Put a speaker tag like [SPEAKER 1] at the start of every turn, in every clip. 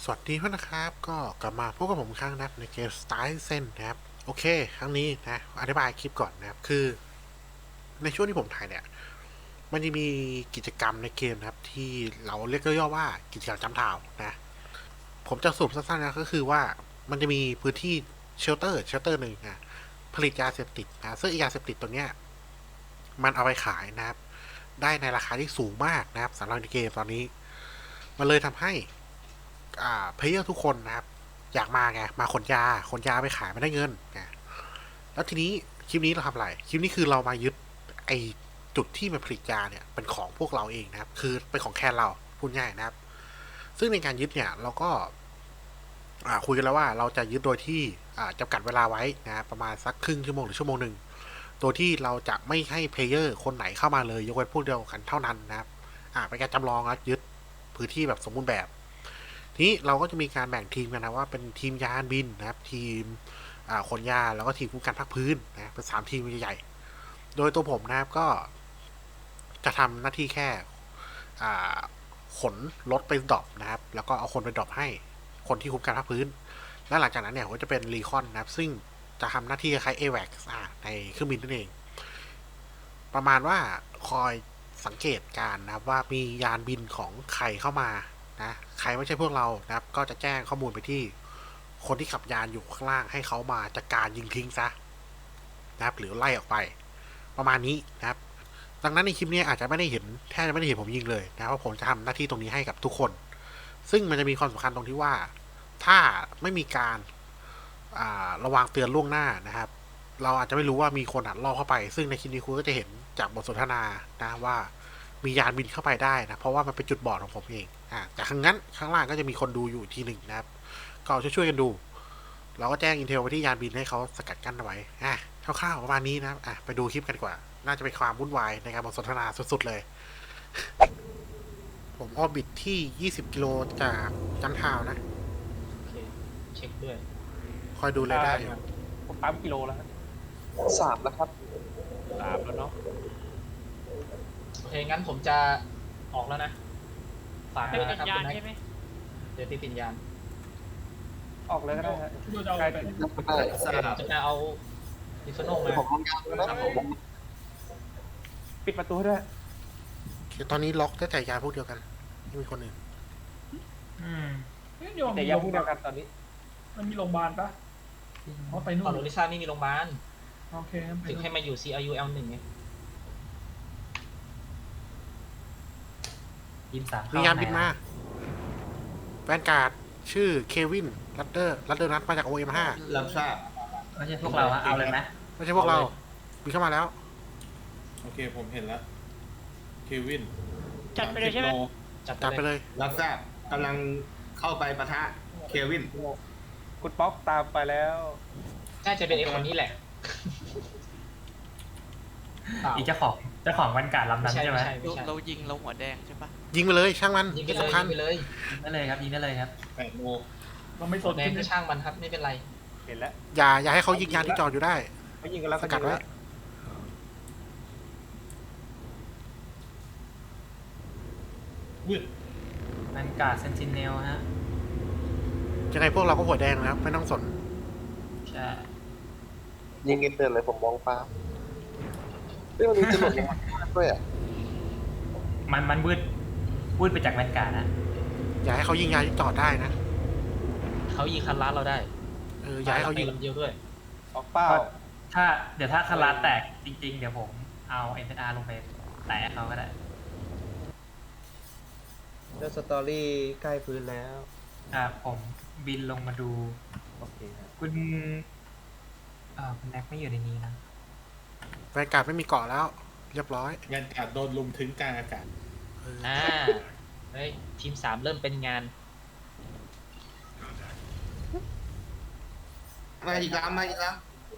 [SPEAKER 1] วัสดีเพื่อนนะครับก็กลับมาพบกับผมอีกครั้งนะครับในเกม Star Citizen นะครับโอเคครั้งนี้นะอธิบายคลิปก่อนนะครับคือในช่วงที่ผมถ่ายเนี่ยมันจะมีกิจกรรมในเกมนะครับที่เราเรียกย่อๆว่ากิจกรรมจำทาวนะผมจะสรุปสั้นๆนะก็คือว่ามันจะมีพื้นที่เชลเตอร์หนึ่งนะผลิตยาเสพติดนะซึ่งยาเสพติดตัวเนี้ยมันเอาไปขายนะครับได้ในราคาที่สูงมากนะครับสำหรับในเกมตอนนี้มันเลยทำให้เพลเยอร์ทุกคนนะครับอยากมาไงมาขนยาไปขายไม่ได้เงินไงแล้วทีนี้คลิปนี้เราทำอะไรคลิปนี้คือเรามายึดไอจุดที่มันผลิตยาเนี่ยเป็นของพวกเราเองนะครับคือเป็นของแค่เราพูดง่ายนะครับซึ่งในการยึดเนี่ยเราก็คุยกันแล้วว่าเราจะยึดโดยที่จำกัดเวลาไว้นะประมาณสักครึ่งชั่วโมงหรือชั่วโมงหนึ่งโดยที่เราจะไม่ให้เพลเยอร์คนไหนเข้ามาเลยยกเว้นพวกเดียวกันเท่านั้นนะครับเป็นการจำลองนะยึดพื้นที่แบบสมบูรณ์แบบ ทีนี้เราก็จะมีการแบ่งทีมกันนะว่าเป็นทีมยานบินนะครับทีมขนยาแล้วก็ทีมคุ้มกันภาคพื้นนะเป็น3 ทีมใหญ่ๆโดยตัวผมนะครับก็จะทำหน้าที่แค่ขนรถไปดรอปนะครับแล้วก็เอาคนไปดรอปให้คนที่คุ้มกันภาคพื้นและหลังจากนั้นเนี่ยก็จะเป็นรีคอนนะครับซึ่งจะทำหน้าที่คล้ายเอแว็กในเครื่องบินนั่นเองประมาณว่าคอยสังเกตการนะครับว่ามียานบินของใครเข้ามานะใครไม่ใช่พวกเรานะครับก็จะแจ้งข้อมูลไปที่คนที่ขับยานอยู่ข้างล่างให้เขามาจัดการยิงทิ้งซะนะครับหรือไล่ออกไปประมาณนี้นะครับดังนั้นในคลิปนี้อาจจะไม่ได้เห็นแทบจะไม่ได้เห็นผมยิงเลยนะเพราะผมจะทำหน้าที่ตรงนี้ให้กับทุกคนซึ่งมันจะมีความสำคัญตรงที่ว่าถ้าไม่มีการระวังเตือนล่วงหน้านะครับเราอาจจะไม่รู้ว่ามีคนอัดลอบเข้าไปซึ่งในคลิปนี้คุณก็จะเห็นจากบทสนทนานะว่ามียานบินเข้าไปได้นะเพราะว่ามันเป็นจุดบอดของผมเองแต่ข้างนั้นข้างล่างก็จะมีคนดูอยู่ทีหนึ่งนะครับก็ช่วยๆกันดูเราก็แจ้งอินเทลไปที่ยานบินให้เขาสกัดกั้นเอาไว้คร่าวๆประมาณนี้นะไปดูคลิปกันดีกว่าน่าจะเป็นความวุ่นวายในการบทสนทนาสุดๆเลยผมออร์บิทที่20 กิโลจากจันทาวนะ
[SPEAKER 2] โอเคเช็คด้วย
[SPEAKER 1] คอยดูเลยได้อยู่
[SPEAKER 3] ผมปั๊มกิโลแล้วฮะ
[SPEAKER 4] 3แล้วครับ
[SPEAKER 3] 3แล้วเนาะ
[SPEAKER 2] โอเคงั้นผมจะออกแล้วนะฝาก
[SPEAKER 5] ให้
[SPEAKER 2] ด้วย
[SPEAKER 5] เป็
[SPEAKER 2] นะครับ
[SPEAKER 5] นยา
[SPEAKER 2] คุ
[SPEAKER 5] น
[SPEAKER 2] ณแม็ก
[SPEAKER 5] ใช่ไหม
[SPEAKER 2] เดี๋ยวที่ปิญญาณ
[SPEAKER 3] ออกเลยก็ได้ฮะ
[SPEAKER 5] ดูจะเอา
[SPEAKER 3] ใกล้
[SPEAKER 5] ไป
[SPEAKER 3] ถึง
[SPEAKER 2] จะเอาดิฟโนมา
[SPEAKER 4] ผมลงยาวแล้วนะผม
[SPEAKER 3] ปิดประตูให้ด้วย
[SPEAKER 1] ตอนนี้ล็อกได้แต่ยานพวกเดียวกันไม่มีคนอื่น
[SPEAKER 3] แต่ยังพูดเดียวกันตอนนี้
[SPEAKER 5] มันมีโรงพยาบาลปะเขาไปนู่
[SPEAKER 2] ก่อน นโอริซ่าไม่มีโรงพยาบาล
[SPEAKER 5] โอเคงั้นไป
[SPEAKER 2] ถึงให้มาอยู่ CRU L1 ไง
[SPEAKER 1] มียานบินมาแวนการ์ดชื่อเควินลัดเดอร์นัทมาจาก OM5
[SPEAKER 4] รับทราบ
[SPEAKER 6] ไม่ใช่พวกเราฮะเอาเลยไหม
[SPEAKER 1] ไม่ใช่พวกเราบินเข้ามาแล้ว
[SPEAKER 7] โอเคผมเห็นแล้วเควิน
[SPEAKER 5] จัดไปเลยใช่ไหม
[SPEAKER 2] จัด
[SPEAKER 1] จัด
[SPEAKER 2] ไป
[SPEAKER 1] ไป
[SPEAKER 2] เลย
[SPEAKER 1] เลย
[SPEAKER 4] รับทราบกำลังเข้าไปปะทะเควิน
[SPEAKER 3] คุณป๊อกตามไปแล้ว
[SPEAKER 2] น่าจะเป็นไอ้คนนี้แหละ
[SPEAKER 6] อีกเจ้าของบรรยากาศลำนั้นใช่ไหม
[SPEAKER 2] ไม่ใช่
[SPEAKER 8] เรายิงเราหัวแดงใช่ปะ
[SPEAKER 1] ยิงไปเลยช่างมัน
[SPEAKER 2] ยิงไป
[SPEAKER 1] ไม่
[SPEAKER 2] เลย
[SPEAKER 1] สำคัญ
[SPEAKER 2] ยิงไปเลย
[SPEAKER 6] ยิงได้เลยครับยิงได้เลยครับ
[SPEAKER 7] 8 โล
[SPEAKER 5] เราไม่ส
[SPEAKER 2] ตัวน แดงก็ช่างมันครับไม่เป็นไร
[SPEAKER 3] เห็นแล้ว
[SPEAKER 1] อย่าให้เขายิงยานที่จอดอยู่ได้
[SPEAKER 3] เขายิงกันแล้ว
[SPEAKER 1] สกัดไว้
[SPEAKER 7] วืด
[SPEAKER 6] บรรยากาศเซนติเนลฮะ
[SPEAKER 1] ยังไงพวกเราก็หัวแดงนะครับไม่ต้องสน
[SPEAKER 6] ใช่
[SPEAKER 4] ยิงเงินเดือนเลยผมมองฟ้าเรื่องนี้จะหลุดลงมาด้วยอ่ะ
[SPEAKER 6] มันวืดไปจากบรรยากาศนะ
[SPEAKER 1] อย่าให้เขายิงยานที่จอดได้นะ
[SPEAKER 2] เขายิงคันล้านเราได้
[SPEAKER 1] อย่าให้เขายิง
[SPEAKER 2] ลำเดียวด้วย
[SPEAKER 3] ออกเป้า
[SPEAKER 6] เดี๋ยวถ้าคาราแตกจริงๆ เดี๋ยวผมเอาเอ็นอาร์ลงไปแตะเขาก็ได้
[SPEAKER 9] เรื่องสตอรี่ใกล้พื้นแล้ว
[SPEAKER 6] ผมบินลงมาดู
[SPEAKER 9] โอเคครับ
[SPEAKER 6] คุณคุณแน็กไม่อยู่ในนี้นะ
[SPEAKER 1] แวนการ์ดไม่มีเกาะแล้ว เรียบร้อย
[SPEAKER 7] งานการโดนลุมถึงกลางอากาศ
[SPEAKER 2] เฮ้ยทีม3เริ่มเป็นงาน
[SPEAKER 4] มาอีกแล้วมาอีกแล้ว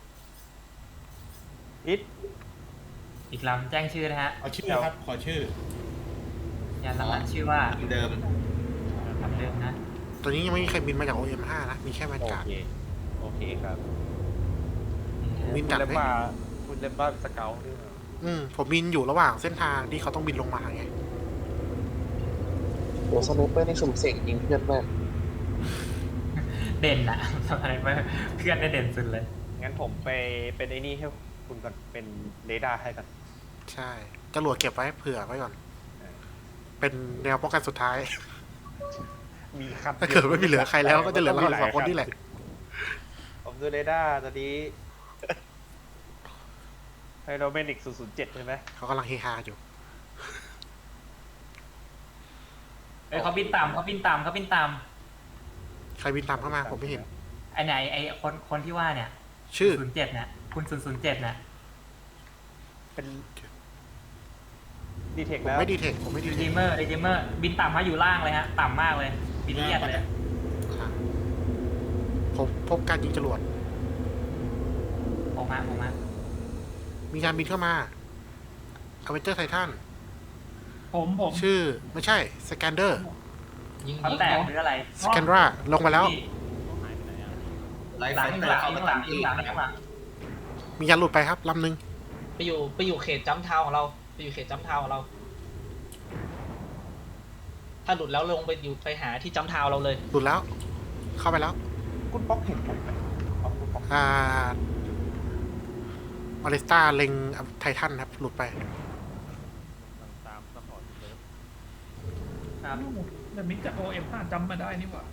[SPEAKER 3] ฮิต
[SPEAKER 6] อีกลำแจ้งชื่อนะฮะ
[SPEAKER 7] เอาชื่อครับ ขอชื่อ
[SPEAKER 6] ยานลำนั้นชื่อว่า
[SPEAKER 4] เดิม
[SPEAKER 6] ลำเดิมนะ
[SPEAKER 1] ตอนนี้ยังไม่มีใครบินมาจาก OM5 นะมีแค่แวน
[SPEAKER 3] โอ
[SPEAKER 1] การ์ด
[SPEAKER 3] เค โอเคครับ
[SPEAKER 1] บิน
[SPEAKER 3] คุ
[SPEAKER 1] จั
[SPEAKER 3] ณ
[SPEAKER 1] ด
[SPEAKER 3] เลม
[SPEAKER 1] ให้
[SPEAKER 3] บ้าคุณเลมบ้าสเกลด้วยเหรอ
[SPEAKER 1] ผมบินอยู่ระหว่างเส้นทางที่เขาต้องบินลงมาไง
[SPEAKER 4] โอ้สไนเปอร์นี่สุ่มเสี่ยงยิงเพื่อนมาก
[SPEAKER 6] เด่นอะ อะไรไม่เพื่อนได้เด่นสุดเลย
[SPEAKER 3] งั้นผมไปเป็นไอ้นี่ให้คุณก่อนเป็นเรดาร์ให้กัน
[SPEAKER 1] ใช่จรวดเก็บไว้เผื่อไว้ก่อน
[SPEAKER 3] เออ
[SPEAKER 1] เป็นแนวป้องกันสุดท้าย
[SPEAKER 3] มีคัน
[SPEAKER 1] ถ้าเกิดไม่มีเหลือใครแล้วก็จะเหลือเราสองคนนี่แหละ
[SPEAKER 3] ผมดูเรดาร์ตอนนี้ไฮโดรเมนิก007ใช่ไหม
[SPEAKER 1] เขากำลังเฮฮาอยู่
[SPEAKER 6] เอ้ยเขาบินตามเขาบินตามเขาบินตาม
[SPEAKER 1] ใครบินตามเข้ามาผมไม่เห็น
[SPEAKER 6] ไอ้ไหนไอ้คนที่ว่าเนี่ย
[SPEAKER 1] ชื่อ
[SPEAKER 6] 07เนี่ยคุณ007เนี่ย
[SPEAKER 3] เป็นดีเทค
[SPEAKER 1] ผม
[SPEAKER 3] แล้ว
[SPEAKER 1] ไม่ดีเทคผมไม่ดี
[SPEAKER 6] ดี
[SPEAKER 1] เท
[SPEAKER 6] เจ
[SPEAKER 1] ค
[SPEAKER 6] เมอร์ดีเจเมอร์บินต่ำมาอยู่ล่างเลยฮะต่ำมากเลยบินเลียดเลย
[SPEAKER 1] ผมพบการยิงจรวด
[SPEAKER 6] ผมมา
[SPEAKER 1] มีการบินเข้ามาอเวนเจอร์ไททัน
[SPEAKER 5] ผม
[SPEAKER 1] ชื่อไม่ใช่สแกนเดอร์
[SPEAKER 2] ยิง
[SPEAKER 6] เขาแตกหรืออะไร
[SPEAKER 1] สแกนราลงมาแล้ว
[SPEAKER 2] ไล่
[SPEAKER 6] หลัง
[SPEAKER 2] ไฟ
[SPEAKER 6] หลัง
[SPEAKER 2] เข้ามา
[SPEAKER 6] หลั
[SPEAKER 2] ตาง มที่
[SPEAKER 6] หลังหลัง
[SPEAKER 1] มียานหลุดไปครับลำหนึ่ง
[SPEAKER 2] ไปอยู่เขตจัมป์ทาวน์ของเราไปอยู่เขตจัมป์ทาวน์ของเรา ถ้าหลุดแล้วลงไปหาที่จัมป์ทาวน์เราเลย
[SPEAKER 1] หลุดแล้ว เข้าไปแล้ว
[SPEAKER 3] คุณป๊อกเห็นผมไหมอ๋อคุณป๊อก
[SPEAKER 1] อเลสตาเล็งไททันครับ หลุดไป
[SPEAKER 3] ตามซัพพอร์ตเลย
[SPEAKER 6] ครับ
[SPEAKER 5] แต่มิกจาก OM5 จำมาได้นี่หว่า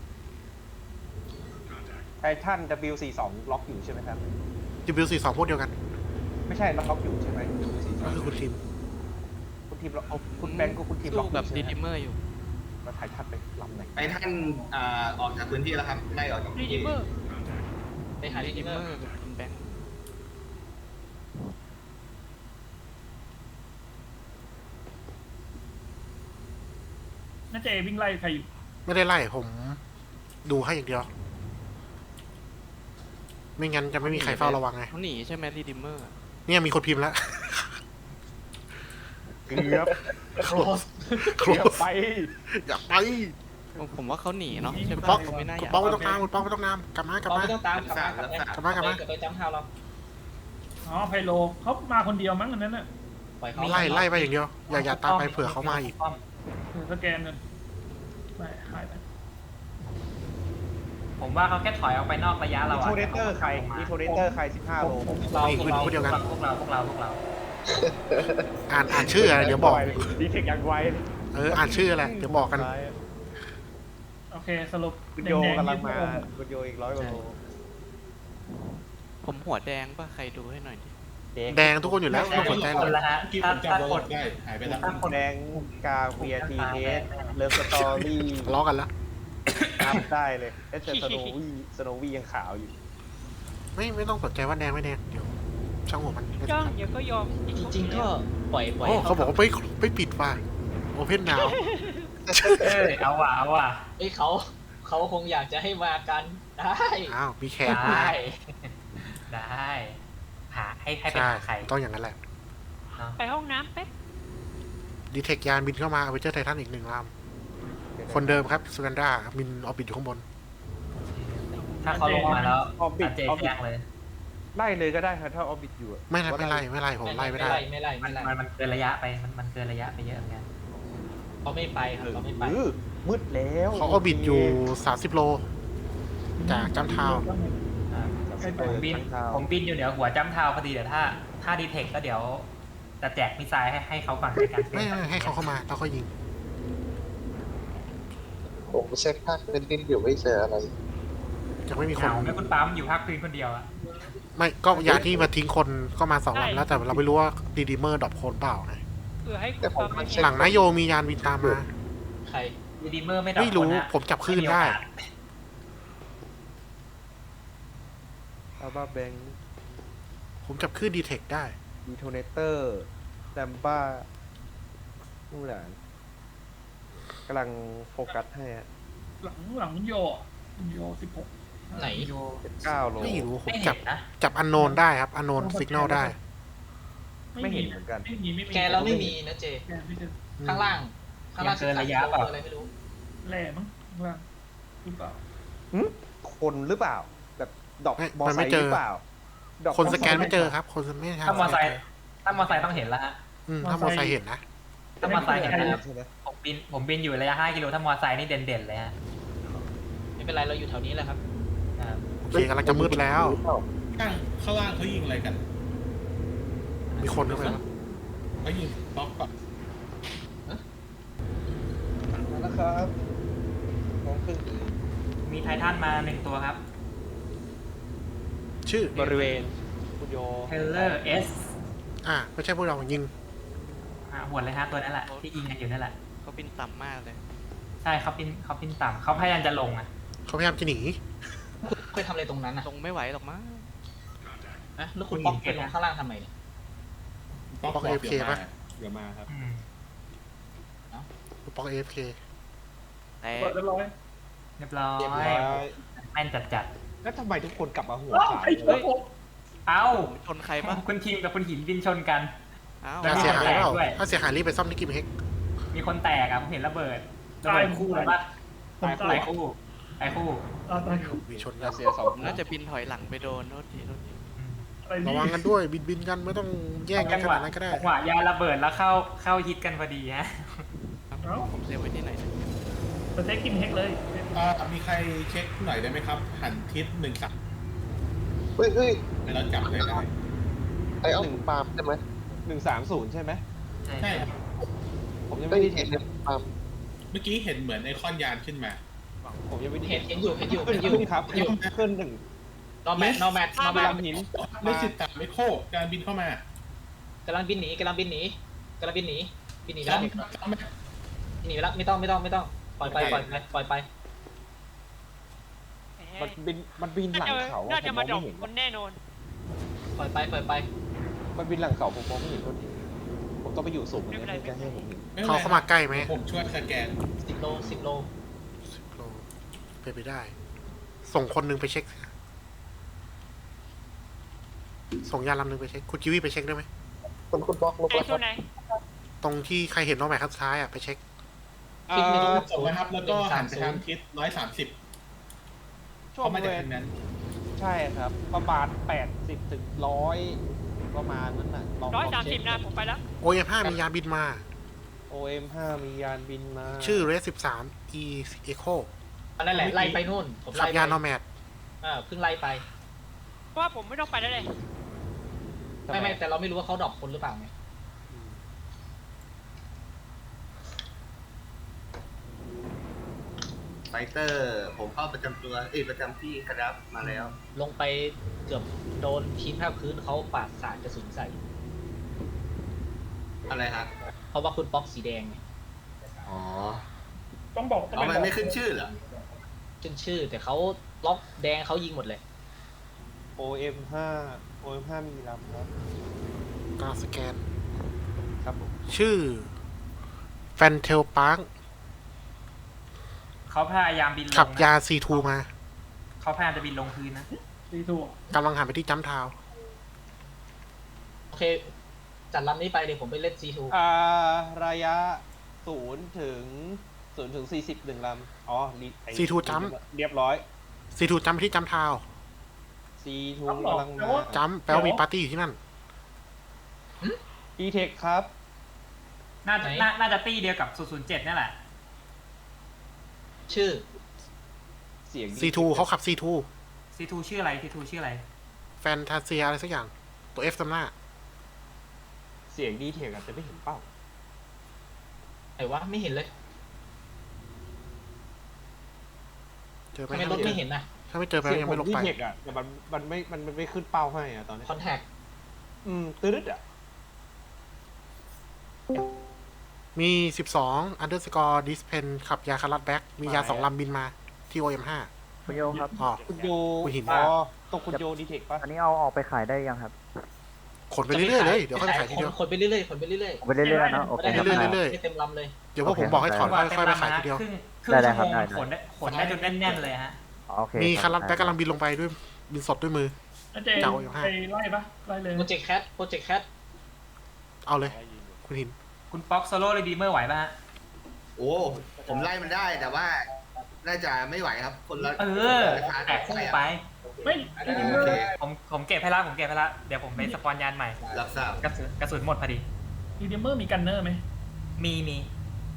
[SPEAKER 3] ไททัน W42 ล็อกอยู่ใช่ไหมครับ
[SPEAKER 1] W42 พวกเดียวกัน
[SPEAKER 3] ไม่ใช่ล็อกอยู่ใช่ไหม
[SPEAKER 1] ก็คือคุณทีม
[SPEAKER 3] คุณทีมล็อกเอาคุณแบงก์ก็คุณทีมล็อกกับดีดิเมอร์อยู่แล้วไททันไปลำไหน
[SPEAKER 8] ไอ้ท่านออกจากพื้นที่แล้วครับไล่ออกจากพื้นที่
[SPEAKER 2] ไปหาที่เมอร์
[SPEAKER 5] น่าจะวิ่งไล่ใครอยู่
[SPEAKER 1] ไม่ได้ไล่ผมดูให้อย่างเดียว ไม่งั้นจะไม่มีใครเฝ้าระวังไง
[SPEAKER 9] เขาหนีใช่ไหมรีดิมเมอร์
[SPEAKER 1] เนี่ยมีคนพิมพ์แล้ว
[SPEAKER 3] เกือบ
[SPEAKER 1] โคลส
[SPEAKER 3] เกือบไป
[SPEAKER 1] อย่าไป
[SPEAKER 9] ผมว่าเขาหนีเนาะใช่
[SPEAKER 1] คุณ
[SPEAKER 9] ปะ
[SPEAKER 1] ป๊อก
[SPEAKER 9] เขาไม่น่า
[SPEAKER 1] คุ
[SPEAKER 9] อ
[SPEAKER 1] ณ
[SPEAKER 9] ยาก
[SPEAKER 1] ป๊อกไม่ต้องตามคุณป๊อกไม่ต้องตามกลับมากลับ
[SPEAKER 2] เรา
[SPEAKER 1] มา
[SPEAKER 2] ไม่ต้องตามกลับมากลับไปจัมป์ทาวน์เรา
[SPEAKER 5] อ๋อไพโลเขามาคนเดียวมั้งอันนั้นน่ะ
[SPEAKER 2] ปล่อยเขา
[SPEAKER 1] ไล่ไปอย่างเดียว อย่าตามไปเผื่อเขามาอีก
[SPEAKER 5] สแกนกันไม่หายไป
[SPEAKER 6] ผมว่าเขาแค่ถอยออกไปนอกระยะเรา
[SPEAKER 3] ดี
[SPEAKER 6] อะ
[SPEAKER 3] โทเนเตอร์ใครดีโทเนเตอร์ใคร15 โล
[SPEAKER 2] เรา
[SPEAKER 1] นี่คือพวกเดียวกัน
[SPEAKER 6] พวกเรา
[SPEAKER 1] อ่านชื่ออะไรเดี๋ยวบอก
[SPEAKER 3] ดีเทคอย่างไว
[SPEAKER 1] อ่านชื่ออะไรเดี๋ยวบอกกัน
[SPEAKER 5] โอเคสรุป
[SPEAKER 3] คุณโยกำลังมาคุณโยอีก100 กว่าโล
[SPEAKER 9] ผมหัวแดงป่ะ ใครดูให้หน่อยดิ
[SPEAKER 1] แดงทุกคนอยู่แล้วไม่ต้องสนใจหร
[SPEAKER 6] ค
[SPEAKER 1] อก
[SPEAKER 6] นละฮะ
[SPEAKER 7] ที่ผ
[SPEAKER 6] ถ้าม
[SPEAKER 7] จำ
[SPEAKER 6] ถ้า
[SPEAKER 7] โร
[SPEAKER 6] คน
[SPEAKER 7] ได้หายไปแล้ว
[SPEAKER 6] ถ้าคน
[SPEAKER 3] แดงกาเวียทีเอสเลิฟสตอรี่
[SPEAKER 1] ทะเลาะกันแล้ว
[SPEAKER 3] อัพได้เลยเอสสโนวี่ยังขาวอยู่
[SPEAKER 1] ไม่ต้องสนใจว่าแดงไม่แดงเดี๋ยวช่างหัวมันไม่สำคัญ
[SPEAKER 2] จริงๆก็ปล่อย
[SPEAKER 1] โอ้เขาบอกว่าไม่ปิดว่ะโอเพนนาว
[SPEAKER 6] เอาว่ะ
[SPEAKER 2] เอ้ยเขาคงอยากจะให้มากันได้
[SPEAKER 1] อ้าวมีแขก
[SPEAKER 6] ได้หาให้ไป
[SPEAKER 1] ใช่
[SPEAKER 6] หาใคร
[SPEAKER 1] ต้องอย่างนั้นแหละ
[SPEAKER 6] เนาะ
[SPEAKER 10] ไปห้องน้ำแป๊บ
[SPEAKER 1] ดีเทคยานบินเข้ามาเอาไปเจอไททันอีก1 ลำคนเดิมครับซูกันดาบินออร์บิทอยู่ข้างบน
[SPEAKER 6] ถ้าเขาลงมาแล้ว
[SPEAKER 3] ออบิท
[SPEAKER 6] เจแจ้งเลย
[SPEAKER 3] ไล่เลยก็ได้ครับถ้าออบิทอยู่
[SPEAKER 1] ไม่ไล่ผมไล่ไม่ได้
[SPEAKER 2] ไม่ไล่
[SPEAKER 6] มันเกินระยะไปมันเกินระยะไปเยอะเหมือนกัน
[SPEAKER 2] เขาไม่ไปครับเขาไม่ไป
[SPEAKER 3] มืดแล้ว
[SPEAKER 1] เขาออร์บิทอยู่30 โล จากจัมทาวน์
[SPEAKER 6] ผมบินอยู่เหนือหัวจ้ำเท้าพอดีเดี๋ยวถ้าดีเทคก็เดี๋ยวจะแจกมิสไซล์ให้เขาก่อนในการ
[SPEAKER 1] ไม่ให้เขาเข้ามาแล้วก็ยิง
[SPEAKER 4] ผมเช็คภาคเป็นดินอยู่ไม่เจออะไร
[SPEAKER 1] ยังไม่มีค
[SPEAKER 6] เห
[SPEAKER 1] น
[SPEAKER 6] งาไม่คุณปั๊มอยู่ภาคพื้นคนเดียวอะ
[SPEAKER 1] ไม่ก็ยานที่มาทิ้งคนก็มา2 ลำแล้วแต่เราไม่รู้ว่าดีดีเมอร์ดรอปโคนเปล่าไง
[SPEAKER 10] เผื่อให้
[SPEAKER 4] แต่ผม
[SPEAKER 10] ความ
[SPEAKER 4] เช็ค
[SPEAKER 1] หลังนายโยมียานบินตามมา
[SPEAKER 2] ใคร
[SPEAKER 6] ดีเมอร์ไม่ดับ
[SPEAKER 1] ไม่รู้
[SPEAKER 6] คนอะ
[SPEAKER 1] ผมจับคลื่นได้
[SPEAKER 3] อัลบาแบง
[SPEAKER 1] ผมจับคลื่นดีเทคได้
[SPEAKER 3] ดีโทเนเตอร์แซมบ้านู่นแหละกำลังโฟกัสให้ฮะ
[SPEAKER 5] หลังโย16
[SPEAKER 2] ไหน
[SPEAKER 3] 9 โล
[SPEAKER 1] ไม่รู้ผม
[SPEAKER 6] ไม่
[SPEAKER 1] จั
[SPEAKER 6] เห็
[SPEAKER 1] บ
[SPEAKER 6] นนะ
[SPEAKER 1] จับอันโนนได้ครับอันโนนสัญญาณได้
[SPEAKER 3] ไม่เห็นเหมือนกัน
[SPEAKER 5] ไม่มี
[SPEAKER 2] แกเราไม่มีนะเจ
[SPEAKER 5] แกไม่เจอ
[SPEAKER 2] ข้างล่าง13อะไรไม่รู้
[SPEAKER 5] แหล่มั้งข้างล่างหรือเปล่า
[SPEAKER 3] คนหรือเปล่า แบบดอก
[SPEAKER 1] ไม่
[SPEAKER 3] มอ
[SPEAKER 1] มัน
[SPEAKER 3] ไซ
[SPEAKER 1] ไม่
[SPEAKER 3] ค์
[SPEAKER 1] เจ
[SPEAKER 3] ห
[SPEAKER 1] อ
[SPEAKER 3] รือเปล่าดอก
[SPEAKER 1] คนสแกนไม่เจอครับ คนไม่ทัน
[SPEAKER 6] ถ้ามอไซค์ต้องเห็นแล้วฮะ
[SPEAKER 1] ถ้ามอไซค์เห็นนะ
[SPEAKER 6] ถ้ามอไซค์เห็นนะครับ
[SPEAKER 3] ใช่ไหม
[SPEAKER 6] ผมบินอยู่ระยะ5 กิโลถ้ามอไซค์นี่เด่นๆเลยฮะ
[SPEAKER 2] ไม่เป็นไรเราอยู่แถวนี้แหละครับ
[SPEAKER 6] ครับ
[SPEAKER 1] โอเคกำลังจะมืดแล้ว
[SPEAKER 7] ข้างล่างเขายิงอะไรกัน
[SPEAKER 1] มีคนด้วยไหมวะ
[SPEAKER 7] เขายิงบล็อกก่อน
[SPEAKER 3] มาแล้วครับมองครึ่ง
[SPEAKER 6] มีไททันมา1ตัวครับ
[SPEAKER 1] ชื่อ
[SPEAKER 3] บริเวณคุณโย
[SPEAKER 6] เทเลอร์เอส
[SPEAKER 1] ไม่ใช่พวกเรายิง
[SPEAKER 6] หวดเลยฮะตัวนั้นแหละที่ยิงกันอยู่นั่นแหละ
[SPEAKER 9] เขาบินต่ำมากเลย
[SPEAKER 6] ใช่เขาปิ้นต่ำเขาพยายามจะลงอ่ะ
[SPEAKER 1] เขาพยายามจะหนี
[SPEAKER 2] เคยทำอะไรตรงนั้นอ่ะ
[SPEAKER 9] ลงไม่ไหวหรอกมั้ง
[SPEAKER 2] นะแล้วคุณป๊อกไปลงข้างล่างทำไมเนี่ย
[SPEAKER 7] บล็อก
[SPEAKER 1] บล็อก AFK ปะ
[SPEAKER 7] เดี๋ยวมาครับ
[SPEAKER 6] อืม
[SPEAKER 1] ปอก AFK
[SPEAKER 9] แต่
[SPEAKER 5] เปิดเรียบร้อย
[SPEAKER 6] เรียบร้อยแม่นจัด
[SPEAKER 3] แล้วทำไมทุกคนกลับมาหัว
[SPEAKER 5] อ้าว
[SPEAKER 3] ขาด
[SPEAKER 5] ไอ้เหี้ยผม
[SPEAKER 6] ๆเอ้า
[SPEAKER 9] ผมชนใครปะ
[SPEAKER 6] คุณทีมกับคุณหินบินชนกัน
[SPEAKER 9] อ้าว
[SPEAKER 6] แล้
[SPEAKER 1] ถ้าว เสียหายเปล่า
[SPEAKER 6] ด้วย
[SPEAKER 1] ถ้าเสียหายรีบไปซ่อมที่กิมเฮก
[SPEAKER 6] มีคนแตกอ่ะผมเห็นระเบิดคู่เลยปะ
[SPEAKER 5] ผม
[SPEAKER 6] ตา
[SPEAKER 5] ตาย
[SPEAKER 6] ยคู่ตายคู่
[SPEAKER 5] ตาย
[SPEAKER 1] มีชน
[SPEAKER 3] รั
[SPEAKER 1] กัน
[SPEAKER 3] สเซียสอง
[SPEAKER 9] ผมน่าจะบินถอยหลังไปโดนโทษทีโทษที
[SPEAKER 6] อืม
[SPEAKER 5] อะไร
[SPEAKER 1] ระ
[SPEAKER 5] นี่
[SPEAKER 1] วังกันด้วยบินกันไม่ต้องแย่งกันขนาดนั้นก็ได้
[SPEAKER 6] จังหวะยาระเบิดแล้วเข้าฮิตกันพอดีฮะ
[SPEAKER 5] เอ้า
[SPEAKER 9] ผมเซฟไว้ที่ไหนนะ
[SPEAKER 5] สเต็กกินเฮกเลย
[SPEAKER 7] มีใครเช็คหน่อยได้ไหมครับ หันทิศ1 3
[SPEAKER 4] เฮ้ย
[SPEAKER 7] ให้เราจับให้ได้
[SPEAKER 4] ไอ้เอาปาล์มใช่ไหม
[SPEAKER 3] 130 ใช่ไหม
[SPEAKER 7] ใช่ครับ
[SPEAKER 3] ผมยัง
[SPEAKER 4] ไม่
[SPEAKER 3] ไม่ได้
[SPEAKER 4] เห็
[SPEAKER 3] เห็
[SPEAKER 4] น
[SPEAKER 3] น
[SPEAKER 4] เนี่ยปาล์ม
[SPEAKER 7] เมื่อกี้เห็นเหมือนไอคอนยานขึ้นมา
[SPEAKER 3] ผมยังไม่ได้
[SPEAKER 2] เห็
[SPEAKER 3] เห็
[SPEAKER 2] น
[SPEAKER 3] น
[SPEAKER 2] อยู่
[SPEAKER 3] ขึ้นครับขึ้นหนึ่ง
[SPEAKER 2] นอแมทนอแมท
[SPEAKER 3] ลำหิน
[SPEAKER 7] ไม่สิบตามไม่โคการบินเข้ามาก
[SPEAKER 2] ำลังบินหนีแล้ว
[SPEAKER 7] จำ
[SPEAKER 2] บินหนีไปแล้วไม่ต้องปล่อยไป
[SPEAKER 3] มันบินหลังเขาอะผมมองไม่เห็น
[SPEAKER 10] คนแน่นอน
[SPEAKER 2] ปล่อยไป
[SPEAKER 3] มันบินหลังเขาผมมองไม่เห็นคนผมต้องไปอยู่สูงกว่านี้
[SPEAKER 10] ไม่เป็นไร
[SPEAKER 3] เพื่อจะให้ผมเห็น
[SPEAKER 7] ไม่ป็นไร
[SPEAKER 1] เขาเข้ามาใกล้ไหม
[SPEAKER 7] ผมช่วยสแกน
[SPEAKER 2] 10 โล
[SPEAKER 1] 10 โลเป็นไปได้ ส่งคนหนึงไปเช็ค ส่งยานลำหนึงไปเช็ค คุณจิวี่ไปเช็คได้ไหม
[SPEAKER 4] คุณบล็อกลบ
[SPEAKER 10] ไอ้
[SPEAKER 4] แล้วค
[SPEAKER 10] ตั
[SPEAKER 4] รั
[SPEAKER 10] ว
[SPEAKER 4] บ
[SPEAKER 10] ไหน
[SPEAKER 1] ตรงที่ใครเห็นน้องแหม่ข้างซ้ายไปเช็ค
[SPEAKER 2] ฟิกไม่รู้
[SPEAKER 7] ส่งนะครับ แล้วก็หันไปทางทิศ130
[SPEAKER 3] ช่วง
[SPEAKER 7] เขา
[SPEAKER 3] บ
[SPEAKER 7] มา
[SPEAKER 3] ริ
[SPEAKER 7] จาก
[SPEAKER 3] เวณ
[SPEAKER 7] ทางนั้น
[SPEAKER 3] ใช่ครับ ประมาณ80 ถึง 100 ประมาณนั้นน่ะลอง
[SPEAKER 10] 130 นะ ผมไปแล้ว
[SPEAKER 1] OM5 มียานบินมา
[SPEAKER 3] OM5 มียานบินมา
[SPEAKER 1] ชื่อ Red 13 E Echo
[SPEAKER 2] นั่นแหละไล่ไปนู่นผม
[SPEAKER 1] ขับ
[SPEAKER 2] ไล่
[SPEAKER 1] ยาน
[SPEAKER 2] ไป
[SPEAKER 1] นอแมด
[SPEAKER 2] เพิ่งไล่ไป
[SPEAKER 10] เพราะว่าผมไม่ต้องไปแล้วเลย
[SPEAKER 2] ไม่แต่เราไม่รู้ว่าเขาดรอปคนหรือเปล่าไง
[SPEAKER 8] ไฟเตอร์ ผมเข้าประจำตัวประจำที่ครับมาแล้ว
[SPEAKER 2] ลงไปเกือบโดนทีมแพทย์พื้นเขาปาดสาดกระสุนใส่
[SPEAKER 8] อะไรฮะ
[SPEAKER 2] เพราะว่าคุณป๊อกสีแดงไง
[SPEAKER 8] อ๋อ
[SPEAKER 5] ต้องบอก
[SPEAKER 8] เอามันไม่ขึ้นชื่อเหรอ
[SPEAKER 2] ขึ้นชื่อแต่เขาล็อกแดงเขายิงหมดเลย
[SPEAKER 3] OM5 มีลำครับ
[SPEAKER 1] กำลังสแกน
[SPEAKER 3] ครับผม
[SPEAKER 1] ชื่อ แฟนเทลปาร์ค
[SPEAKER 6] เขาพยายามบินลง
[SPEAKER 1] ขับ
[SPEAKER 6] นะ
[SPEAKER 1] ยา C2 มา
[SPEAKER 6] เขาพยายามจะบินลงพื้นนะ
[SPEAKER 5] ดีถูก
[SPEAKER 1] กำลังหันไปที่จัมป์ทาวน์
[SPEAKER 2] โอเค จัดลำนี้ไปเดี๋ยวผมไปเล่น C2
[SPEAKER 3] ระยะ0 ถึง 40 1 ลำ อ๋อไอ้
[SPEAKER 1] C2 จัมป์
[SPEAKER 3] เรียบร้อย
[SPEAKER 1] C2 จัมป์ไปที่จัมป์ทาวน์
[SPEAKER 3] C2 กำลังมา
[SPEAKER 1] จัมป์แปลว่ามีปาร์ตี้อยู่ที่นั่น
[SPEAKER 3] E-Tech ครับ
[SPEAKER 6] น่าจะตี้เดียวกับ 007 นั่นแหละ
[SPEAKER 2] ชื่อ
[SPEAKER 3] เสียง
[SPEAKER 1] C2 เขาขับ C2
[SPEAKER 6] C2 ชื่ออะไร C2 ชื่ออะไร
[SPEAKER 1] แฟนตาเซียอะไรสักอย่าง ตัว F ตำหน้า
[SPEAKER 3] เสียงD-Tech อาจจะไม่เห็นเป้า
[SPEAKER 2] ไหนวะไม่เห็นเลย
[SPEAKER 1] เจอไหม
[SPEAKER 2] ทำไมรถไม่เห็นนะ
[SPEAKER 1] ถ้าไม่เจอไป
[SPEAKER 3] เสียง
[SPEAKER 1] ยัง
[SPEAKER 3] ผ
[SPEAKER 1] ไม่
[SPEAKER 3] ม
[SPEAKER 1] ลงไป
[SPEAKER 3] D-Tech อ่ะแต่มันไม่ขึ้นเป้าให้อ่ะตอนนี้
[SPEAKER 2] คอนแทค
[SPEAKER 3] ตืดอ่ะ
[SPEAKER 1] มี 12 underscore dispen ขับยาคารัดแบ็กมียา 2 ลำบินมาที่ OM5
[SPEAKER 11] คุณโยครับ
[SPEAKER 1] อ๋อ
[SPEAKER 3] คุณโย
[SPEAKER 1] คุณหิน
[SPEAKER 3] อ๋อตรงคุณโยD-Tech ป่ะ
[SPEAKER 11] อันนี้เอาออกไปขายได้ยังครับ
[SPEAKER 1] ขนไปเรื่อยๆเลย เดี๋ยวค่อยไปขายทีเดียว
[SPEAKER 2] คนไปเรื่อยๆ
[SPEAKER 11] เอาไปเรื่อยๆเนาะโอเค
[SPEAKER 1] เรื่อยๆเรื่อย
[SPEAKER 2] ไม่เต็มลำเลย
[SPEAKER 1] ๆเดี๋ยวพวกผมบอกให้ถอนค่อยไปขายทีเดียว
[SPEAKER 6] ครึ่ง
[SPEAKER 11] ได้
[SPEAKER 6] ชั่ว
[SPEAKER 11] ครับ
[SPEAKER 6] โมง
[SPEAKER 11] ได้
[SPEAKER 6] ขนได้จนแน่นๆเลยฮะ
[SPEAKER 11] โอเค
[SPEAKER 1] มีคารัดแบ็กกำลังบินลงไปด้วยบินสดด้วยมือ
[SPEAKER 5] อาเจ
[SPEAKER 1] เจ้าอยู่ห้า
[SPEAKER 5] ไปไล่ปะไล่เลย
[SPEAKER 2] โปรเจกต์แคท
[SPEAKER 1] เอาเลย คุณหิน
[SPEAKER 6] คุณป๊อกโซโล่เรดีเมอร์ไหวป่ะฮะ
[SPEAKER 8] โอ้ ผมไล่มันได้แต่ว่า น่าจะไม่ไหวครับ คนละ
[SPEAKER 6] แตกคู่ไป
[SPEAKER 5] ไม่
[SPEAKER 8] โอเค
[SPEAKER 6] ผมเก็บให้ละเดี๋ยวผมไปสปอนยานใหม่
[SPEAKER 8] รับทราบ
[SPEAKER 6] กระสุนหมดพอดี
[SPEAKER 5] ดีเดมเมอร์มีกันเนอร์ไหม
[SPEAKER 6] มี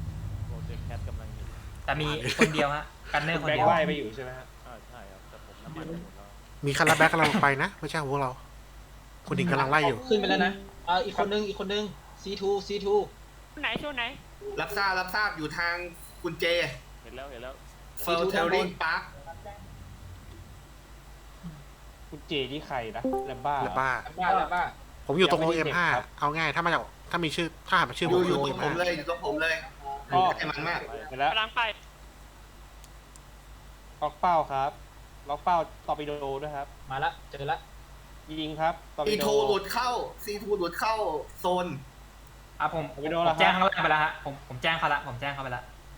[SPEAKER 6] แต่มีคนเดียวฮะกันเนอร์คน
[SPEAKER 3] แบ็ค
[SPEAKER 6] เดียว
[SPEAKER 3] ไล่ไปอยู่ใช่ไหมฮะ
[SPEAKER 1] มีคาราแบ็กกำลังลงไปนะ ไม่ใช่ของพวกเรา คุณดิงกำลังไล่อยู่
[SPEAKER 2] ขึ้นไปแล้วนะอีกคนนึง C2
[SPEAKER 10] ไหนโซนไหน
[SPEAKER 8] รับทราบอยู่ทางคุณเจ
[SPEAKER 9] เห็นแล้ว
[SPEAKER 8] เฟลเทลลิงพาร์ค
[SPEAKER 3] คุณเจนี่ใครนะแลมบ้า
[SPEAKER 1] แล้วบ้า
[SPEAKER 2] บ้า
[SPEAKER 1] ผมอยู่ตรง
[SPEAKER 3] ยังไม่ได้
[SPEAKER 1] OM5
[SPEAKER 3] เด็กครับ
[SPEAKER 1] เอาง่าย ถ้ามาจากถ้ามีชื่อ ถ้าหากเป็นชื่อ
[SPEAKER 8] อ
[SPEAKER 1] ผม
[SPEAKER 8] ยู่
[SPEAKER 1] อยู่
[SPEAKER 8] ตรงผม
[SPEAKER 1] OM5
[SPEAKER 8] เลยอยู่ตรงผมเลย
[SPEAKER 3] อ๋อ
[SPEAKER 8] ไอ้มันมาก
[SPEAKER 3] เห็นแล้ว
[SPEAKER 10] กำลังไป
[SPEAKER 3] ล็อกเป้าครับล็อกเป้าตอร์ปิโดด้วยครับ
[SPEAKER 2] มาละเจอละ
[SPEAKER 3] ยิงครับตอร์ปิ
[SPEAKER 8] ซี
[SPEAKER 3] โด
[SPEAKER 8] ทูหลุดเข้าโซน
[SPEAKER 6] ผม
[SPEAKER 3] ไม่โดนแล้วครับ
[SPEAKER 6] แจ้งเขาไปแล้วฮะผมแจ้งเขาละผมแจ้งเขาไปละ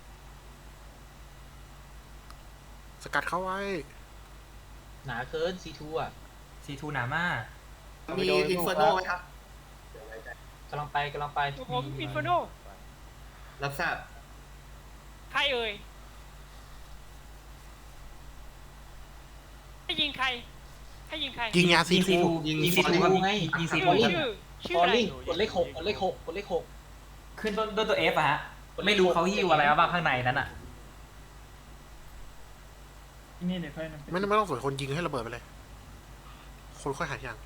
[SPEAKER 1] สกัดเข้าไว้
[SPEAKER 2] หนาเกิน C2 อ่ะ
[SPEAKER 6] C2 หนามาก
[SPEAKER 8] มีอินเฟอร์โนไหมครับ
[SPEAKER 2] กำลังไป
[SPEAKER 10] ผมอินฟโน
[SPEAKER 8] รับทราบ
[SPEAKER 10] ใครเอ่ยให้ยิงใคร
[SPEAKER 1] ยิงยาซี
[SPEAKER 6] ยิง
[SPEAKER 1] ทู
[SPEAKER 6] C2
[SPEAKER 8] ยิง
[SPEAKER 6] ยิง
[SPEAKER 8] C2
[SPEAKER 6] C2 ครับ
[SPEAKER 2] ไง
[SPEAKER 6] ยิง
[SPEAKER 10] ชื่
[SPEAKER 6] C2
[SPEAKER 10] อ
[SPEAKER 6] ครับ
[SPEAKER 10] ชื่ออะไร
[SPEAKER 2] กดเลข6
[SPEAKER 6] ขึ้นด้วยตัว F อะฮะ ไม่รู้เขาหิ้วอะไรมาบ้างข้างในนั้นอ่ะ
[SPEAKER 5] ที่นี่เดี๋ยวค่อยนำไป
[SPEAKER 1] ไม่ต้องสนคนยิงให้ระเบิดไปเลย คนค่อยหาอย่าง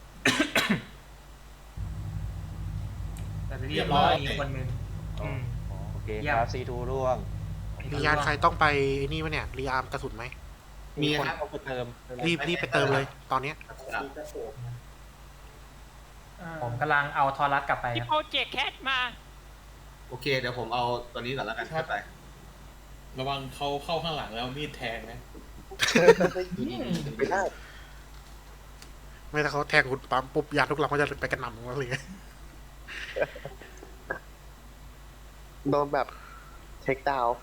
[SPEAKER 6] แต่เรียบร้อยอีกคนนึงอืม
[SPEAKER 3] โอเค
[SPEAKER 6] เยี่ยม
[SPEAKER 3] ครับซีทูร่วง
[SPEAKER 1] มียานใครต้องไปไอ้นี่วะเนี่ย รีอาร์มกระสุนไหม
[SPEAKER 8] มี
[SPEAKER 3] คน
[SPEAKER 8] ครับ
[SPEAKER 3] เอาไปเติม
[SPEAKER 1] รีบไปเติมเลย ตอนเนี้ย
[SPEAKER 6] ผมกำลังเอาทอรัสกลับไป
[SPEAKER 10] ที่
[SPEAKER 6] ครับ
[SPEAKER 10] โปรเจกต์แคทมา
[SPEAKER 8] โอเค เดี๋ยวผมเอาตัวนี้ก่อนแล้วกันเข้าไป
[SPEAKER 7] ระวังเขาเข้าข้างหลังแล้วมีดแทงนะ
[SPEAKER 4] ไม่ได้
[SPEAKER 1] ไม่ถ้าเขาแทงคุณปั๊มปุ๊บยาทุกลำก็จะไปกระหน่ำอะไรเงี้ย
[SPEAKER 4] โดนแบบเช็คดาวน์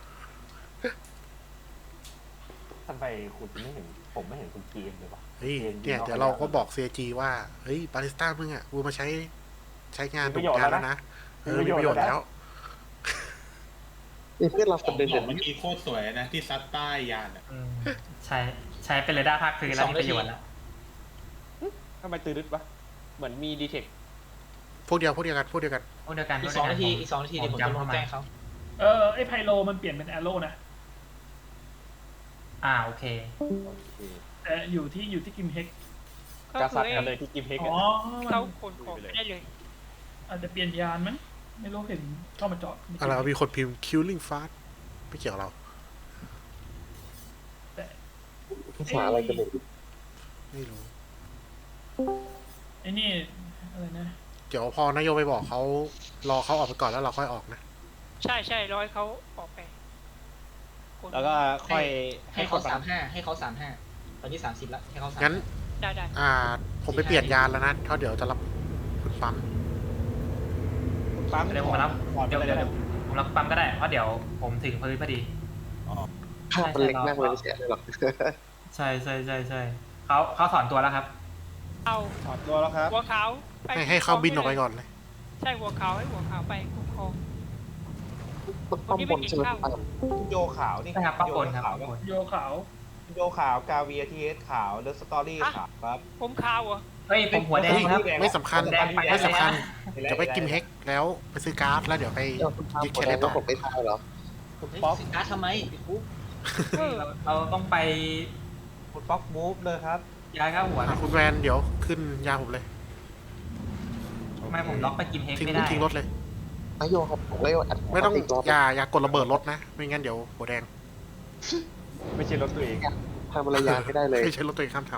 [SPEAKER 3] ทำไมคุณไม่เห็นผมไม่เห็นคุณเกมเลยวะ
[SPEAKER 1] เฮ้ยเนี่ยเดี๋ยวเราก็บอก CG ว่า เฮ้ยบาริสต้ามึงอ่ะกูมาใช้งานถูกงานแล้วนะมีประโยชน์แล้ว
[SPEAKER 4] นี่เพื่อนเรา
[SPEAKER 7] ข
[SPEAKER 4] ค
[SPEAKER 7] อน ง
[SPEAKER 4] หนึ่ง
[SPEAKER 7] ข
[SPEAKER 4] เห็
[SPEAKER 7] อน ง
[SPEAKER 4] ไหม
[SPEAKER 7] เมื่อกี้โคตรสวยนะ ที่ซัดใต้ยานอ่ะ
[SPEAKER 6] อืมใช้เป็นเรดาร์ภาคพื้นแล้วมีประโยชน์แล้ว
[SPEAKER 3] ทำไมตื่นรึดวะเหมือนมีดีเทค
[SPEAKER 1] พวกเดียวกัน
[SPEAKER 6] พวกเดียวกัน
[SPEAKER 2] อีก 2 นาที
[SPEAKER 6] พวกเดียวกัน
[SPEAKER 2] เดี๋ยวผมจะลงแจ้งเขา
[SPEAKER 5] ไอ้ไพโลมันเปลี่ยนเป็นแอโร่นะ
[SPEAKER 6] โอเค
[SPEAKER 5] แต่อยู่ที่กิมเฮก
[SPEAKER 10] ก็
[SPEAKER 3] กา
[SPEAKER 10] คื
[SPEAKER 3] ซั
[SPEAKER 10] อ
[SPEAKER 3] ดกันเลยที่กิมเฮก
[SPEAKER 5] อ๋อ
[SPEAKER 10] เขาขนของไม่ได้เลย
[SPEAKER 5] อาจจะเปลี่ยนยานมั้งไม่รู้เห็นเข้ามาจอด
[SPEAKER 1] อะไรวะมีคนพิมพ์ killing fast ไม่เกี่ยวกับเรา
[SPEAKER 4] ภาษาอะไรกันเนี่ย
[SPEAKER 1] ไม่รู้
[SPEAKER 5] ไอ้นี่อะไรนะ
[SPEAKER 1] เดี๋ยวพอนายโยไปบอกเขารอเขาออกไปก่อนแล้วเราค่อยออกนะ
[SPEAKER 10] ใช่ร้อยเขาออกไป
[SPEAKER 3] แล้วก็ค่อย
[SPEAKER 2] ให้เขา35ตอนนี้30แล้วให้เขา30
[SPEAKER 1] งั้น
[SPEAKER 10] ได้
[SPEAKER 1] ผมไปเปลี่ยนยานแล้วนะเพราะเดี๋ยวจะรับคุณปั๊ม
[SPEAKER 3] ปั๊ม
[SPEAKER 6] เดี๋ยวผมรับ
[SPEAKER 3] ก่อน
[SPEAKER 6] เดี๋ยว
[SPEAKER 3] ไปเลย
[SPEAKER 6] ผมรับปั๊มก็ได้ เพราะเดี๋ยวผมถึงพื้นพอดี
[SPEAKER 4] ภาพมันเล็กมากเลยไม่ใช่เลยหรอก
[SPEAKER 6] ใช่เขาถอนตัวแล้วครับ
[SPEAKER 10] เอา
[SPEAKER 3] ถอดตัวแล้วครับ
[SPEAKER 10] หัวขาวไป
[SPEAKER 1] ให้เขาบินออกไปก่อนเลย
[SPEAKER 10] ใช่หัวขาวให้หัวขาวไปคุ้มครอง
[SPEAKER 4] มันป้อมบนใช่ไหมปั๊ม
[SPEAKER 3] โยขาวนี่
[SPEAKER 6] ใช่ครับป้าปนครับ
[SPEAKER 3] ขาว
[SPEAKER 6] ป้าปน
[SPEAKER 5] โยขาว
[SPEAKER 3] โยขาวกาเวียทีเอสขาวเลิฟสตอรี่ขาวครับ
[SPEAKER 10] ผมขาวเหรอ
[SPEAKER 6] เฮ้ยผมหัวแดงครับ
[SPEAKER 1] ไม่สำคัญ
[SPEAKER 6] แดงไป
[SPEAKER 1] ไม่สำคัญ
[SPEAKER 3] แดง
[SPEAKER 1] เดี๋ยวไปกิมเฮกแล้วไปซื้อการ์ดแล้วเดี๋ยวไป
[SPEAKER 4] เดี๋ยวคุณปั๊ม
[SPEAKER 1] ยึด
[SPEAKER 4] ค
[SPEAKER 1] แคน น
[SPEAKER 4] ไหน
[SPEAKER 1] ได้ต่อ
[SPEAKER 4] ผมไม่ทายเหรอ
[SPEAKER 3] คุณ
[SPEAKER 2] เฮ้ย
[SPEAKER 3] ป๊อก
[SPEAKER 2] สินค้าทำไมติดคุก
[SPEAKER 6] เราต้องไป
[SPEAKER 3] คุณป๊อกมูฟเลยครับ
[SPEAKER 6] ย้ายข้าหัว
[SPEAKER 1] คุณแวนเดี๋ยวขึ้นยาผมเลย
[SPEAKER 6] ทำไมผมล็อกไปกินเฮก
[SPEAKER 1] ทิ้ง
[SPEAKER 6] ไม่ได้
[SPEAKER 1] ทิ้งรถเลย
[SPEAKER 4] นายโยครับผมนายโยอัด
[SPEAKER 1] ไม่ต้อง
[SPEAKER 4] อีกรอบ
[SPEAKER 1] อย่ากดระเบิดรถนะ ไม่งั้นเดี๋ยวหัวแดง
[SPEAKER 3] ไม่ใช่รถตัวเอง
[SPEAKER 4] ทำอะไรยานไม่ได้เลย
[SPEAKER 1] ไม่ใช่รถตัวเองข้ามท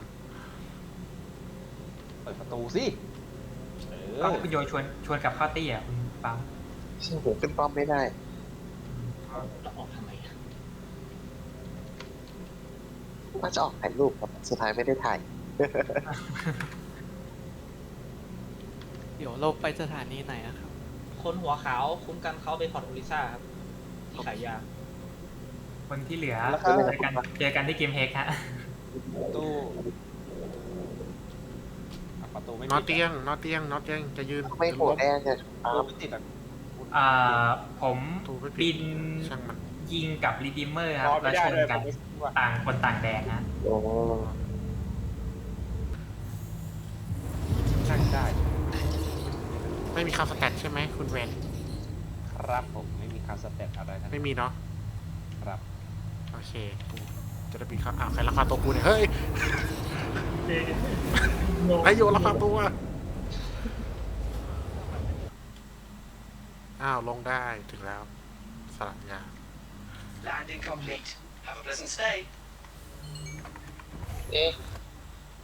[SPEAKER 3] เปิดประตูสิเอ
[SPEAKER 6] ก็
[SPEAKER 3] อ
[SPEAKER 6] คุณโยชวนกลับเข้าตี้อ่ะคุณปั๊ม
[SPEAKER 4] ใช่ผมขึ้นป้อมไม่ได้
[SPEAKER 2] จะออกทำไมอะ
[SPEAKER 4] ว่าจะออกถ่ายรูปครับสุดท้ายไม่ได้ถ่าย
[SPEAKER 9] เดี๋ยวเราไปสถานีไหนอะครับ
[SPEAKER 2] คนหัวขาวคุ้มกันเขาไปพอร์ตโอริซ่าครับที่ขายยา
[SPEAKER 6] คนที่เหลือ
[SPEAKER 4] แล้วครับ
[SPEAKER 6] เจอกันที่เกมเฮกฮะ
[SPEAKER 3] ประตูอ่ะประตูไม่
[SPEAKER 1] ำ
[SPEAKER 3] ปิด
[SPEAKER 1] นอเตียงจะยืน
[SPEAKER 4] ไม่โหดแดงไง
[SPEAKER 3] ประตูไม่ติดอ่ะ
[SPEAKER 6] ผม
[SPEAKER 1] ตูไม่ปิ
[SPEAKER 6] บิ
[SPEAKER 1] ด
[SPEAKER 6] น
[SPEAKER 1] ช่างมัน
[SPEAKER 6] ยิงกับรีดิมเมอร์ครับ
[SPEAKER 3] พอ
[SPEAKER 6] แล้ว
[SPEAKER 3] ไม่ได้
[SPEAKER 6] ชน
[SPEAKER 3] เลย
[SPEAKER 6] กัน
[SPEAKER 3] ผมไม่ว่า
[SPEAKER 6] ต่างคนต่างแดงฮะ
[SPEAKER 4] โอ้
[SPEAKER 3] ช่างได้
[SPEAKER 1] ไม่มีคำสแตทใช่ไหมคุณแวน
[SPEAKER 3] ครับผมไม่มีคาสเตตอะไรทั้งนั้น
[SPEAKER 1] ไม่มีเนาะ
[SPEAKER 3] ครับ
[SPEAKER 1] โอเคจะได้บินเข้าอ้าวใครลักพาตัวกูเนี่ยเฮ้ย
[SPEAKER 5] เด็ก
[SPEAKER 1] ไอโยลักพาตัวอ้าวลงได้ถึงแล้วสลับยา
[SPEAKER 2] เอ๊ะ